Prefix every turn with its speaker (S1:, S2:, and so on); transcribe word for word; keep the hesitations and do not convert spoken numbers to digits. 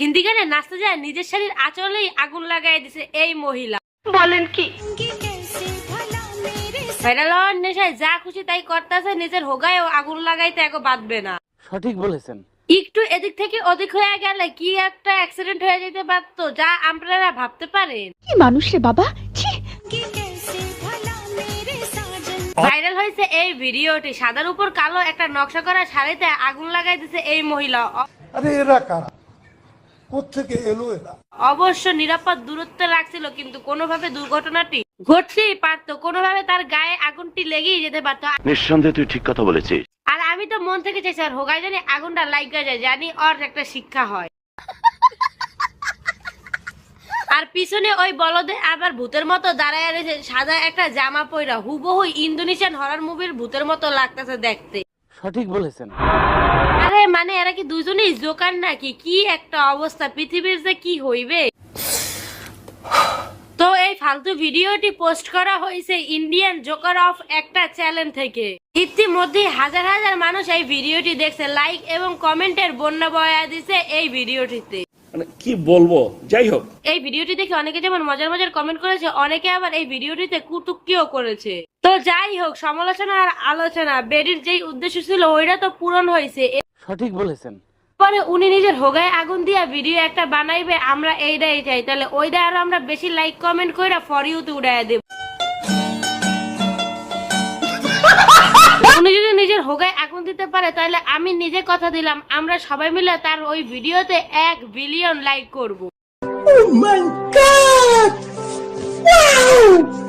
S1: হিন্দি গানে নাচতে যায় নিজের শাড়ির আঁচলেই আগুন লাগাই দিছে এই মহিলা। বলেন কি? ভাইরাল হওয়ার নেশায় যা খুশি তাই করতেছে, নিজের হোগায়ও আগুন লাগাইতে এগো বাঁধবে না।
S2: সঠিক বলেছেন।
S1: একটু এদিক থেকে ওদিক হয়ে গেলে কি একটা অ্যাক্সিডেন্ট হয়ে যেতে পারতো, যা আপনারা ভাবতে পারেন।
S3: কি মানুষ রে বাবা।
S1: ভাইরাল হয়েছে এই ভিডিওটি। সাদার উপর কালো একটা নকশা করা শাড়িতে আগুন লাগাই দিছে এই মহিলা।
S4: আরে এরা কারা, কোত্থেকে এলো এরা?
S1: অবশ্য নিরাপদ দূরত্বে রাখছিল, কিন্তু কোনোভাবে দুর্ঘটনাটি ঘটতেই পারতো, কোনোভাবে তার গায়ে আগুনটি লেগেই যেতে পারতো।
S5: নিঃসন্দেহে তুই ঠিক কথা বলেছিস।
S1: আর আমি তো মন থেকে চাইছি আর হোগায় জানি আগুনটা লাগা যায়, জানি ওর একটা শিক্ষা হয়। আর পিছনে ওই বলদে আবার ভূতের মতো দাঁড়ায় রয়েছে, সাদা একটা জামা পয়রা, হুবহু ইন্দোনেশিয়ান হরর মুভির ভূতের মতো লাগতেছে দেখতে।
S2: সঠিক বলেছেন।
S1: আরে মানে এরা কি দুজনেই জোকার নাকি? কি একটা অবস্থা, পৃথিবীর যে কি হইবে। তো এই ফালতু ভিডিওটি পোস্ট করা হয়েছে ইন্ডিয়ান জোকার অফ একটা চ্যানেল থেকে। ইতিমধ্যে হাজার হাজার মানুষ এই ভিডিওটি দেখছে, লাইক এবং কমেন্টের বন্যা বয়া দিছে এই ভিডিওটিতে।
S6: মানে কি বলবো, যাই হোক
S1: এই ভিডিওটি দেখে অনেকে যেমন মজার মজার কমেন্ট করেছে, অনেকে আবার এই ভিডিওটিতে কুটুক্তিও করেছে। তো যাই হোক, সমালোচনা আর আলোচনা, বেডির যেই উদ্দেশ্য ছিল ওইটা তো পূরণ হয়েছে।
S2: সঠিক বলেছেন।
S1: পরে উনি নিজের হোগায় আগুন দিয়া ভিডিও একটা বানাইবে, আমরা এইটাই চাই। তাহলে ওইটা আরো আমরা বেশি লাইক কমেন্ট কইরা ফর ইউতে উড়াইয়া দেব। উনি যদি নিজের হোগায় আগুন দিতে পারে, তাহলে আমি নিজে কথা দিলাম আমরা সবাই মিলে তার ওই ভিডিওতে এক বিলিয়ন লাইক করব।
S4: Oh my God! Wow!